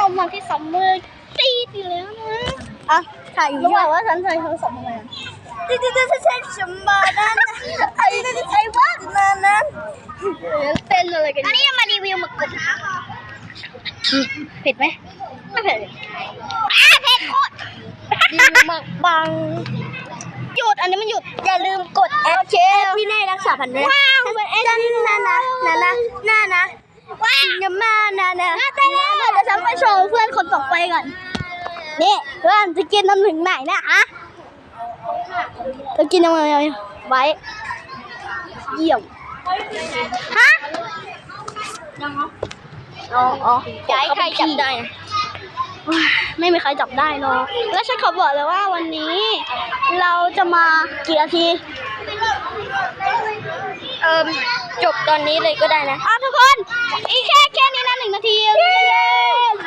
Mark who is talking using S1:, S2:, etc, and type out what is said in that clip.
S1: มาที่ซัมเมอร์ตีอยู่แล้วนะ
S2: อ่ะถ่ายอยู่
S1: รู้ว่าฉันใช้โทรศัพท์ทำไม
S2: จะใช้สมบัตินั้นไอ้จะใช้บ้านนั้น
S1: เต้นอะไรกันอันนี้มารีวิวหมึกกรุบเผ็ดไหมไม่เผ็ดเผ็ดโคตรดีมากบังหยุดอันนี้มันหยุด
S2: อย่าลืมกดแอดพี่เน่รักษาพันธุ์ด้วยว้าวเป็นแอดนะ
S1: ว้าว
S2: อย่ามานะ
S1: เดี๋ยวฉันไปโชว์เพื่อนคนต่อไปก่อนนี่เพื่อนจะกินน้ำถึงไหนนะอะจะกินยังไงไว้เยี่ยมฮะอ๋อ
S2: จะให้ใครจับได้
S1: ไม่มีใครจับได้เนาะแล้วฉันขอบอกเลยว่าวันนี้ เราจะมากี่นาที
S2: จบตอนนี้เลยก็ได้นะ
S1: ทุกคนอีกแค่นี้นะ1 นาที